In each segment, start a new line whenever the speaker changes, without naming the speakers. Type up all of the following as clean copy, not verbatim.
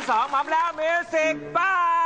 2พร้อมแล้วมิวสิกไป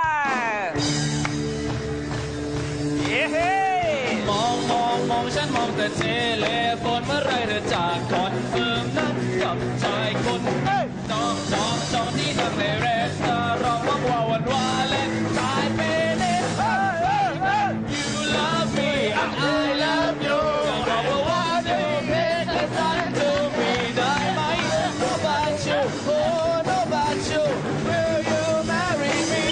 เย้
มองฉันมองแต่เทเลโฟนเมื่อไรเธอจากคอนเฟิร์มนัดกับชายคนจองที่ทำในเรสตอรองว่างว่าวันวาเลนไทน์เปเน่ You love me and I love you บอกว่าเธอเป็นและฉันเธอไม่ได้ไหม No about you oh no about you Will you marry me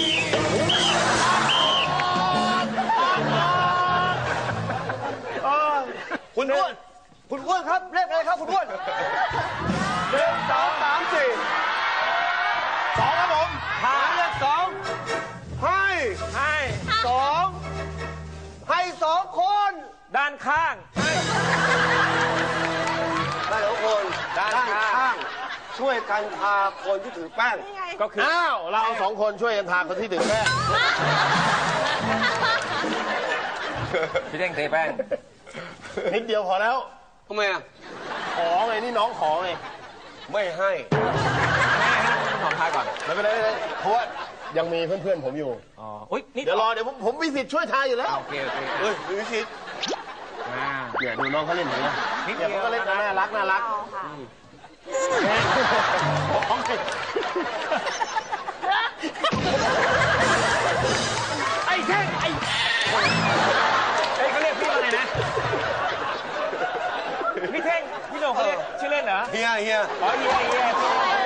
คุณอ้วนครับเลขอะไรครับคุณอ้วน1 2 3 4 2ครับผมหาเลข2ให้2คน
ด้านข้าง
ได้2คนด้านข้างช่วยกันทาคนที่ถือแป้ง
ก็คือ
อ้าวเรา2คนช่วยกันทาคนที่ถือแป้ง
พี่เด้งเทแป้ง
นิดเดียวพอแล้ว
ทำไมอ่ะ
ขอไงนี่น้องขอไงไม่ให้
ขอทายก่อน
ไม่เป็นไรเพราะว่ายังมีเพื่อนๆผมอยู่
อ๋ออุ้ย
เดี๋ยวรอเดี๋ยวผมมีสิทธิ์ช่วยทายอยู่แล้ว
โอเค
มีสิทธิ์เดี๋ยวดูน้องเขาเล่นหน่อยนะเดี๋ยวเขาก็เล่นน่ารัก
ไอ้แท่งเขาเรียกพี่ว่าไงนะพี่เท่งพี่โหน่งเขาเรียกชื่อเล่นเหรอ
เฮีย
อ๋อเฮีย